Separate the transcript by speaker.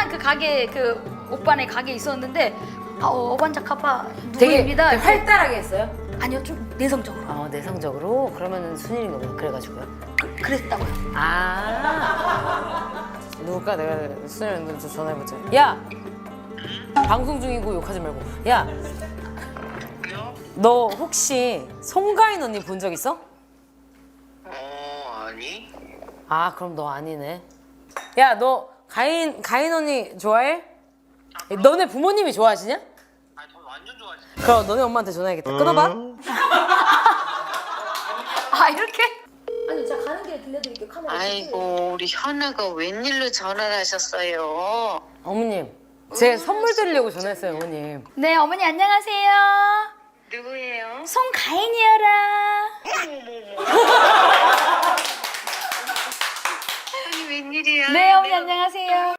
Speaker 1: 그 가게 그 오빠네 가게 있었는데 어반자카파
Speaker 2: 되게
Speaker 1: 누구입니다. 이렇게.
Speaker 2: 활달하게 했어요?
Speaker 1: 아니요 좀 내성적으로.
Speaker 2: 내성적으로? 그러면은 순일인가 보다. 그래가지고요.
Speaker 1: 그랬다고요.
Speaker 2: 누굴까? 내가 순일한테 전화해보자. 야! 방송 중이고 욕하지 말고. 야! 너 혹시 송가인 언니 본 적 있어?
Speaker 3: 아니?
Speaker 2: 그럼 너 아니네. 야, 너 가인 언니 좋아해? 너네 부모님이 좋아하시냐?
Speaker 3: 저 완전 좋아하지.
Speaker 2: 그럼 너네 엄마한테 전화해야겠다. 끊어봐.
Speaker 1: 이렇게? 아니 제가 가는 길에 들려드릴게요. 카메라.
Speaker 4: 아이고 우리 현우가 웬일로 전화를 하셨어요?
Speaker 2: 어머님, 제 선물 드리려고 전화했어요, 어머님.
Speaker 1: 네 어머니 안녕하세요.
Speaker 4: 누구예요?
Speaker 1: 송가인이여라.
Speaker 4: 아니 웬일이야?
Speaker 1: 네 어머니 안녕하세요.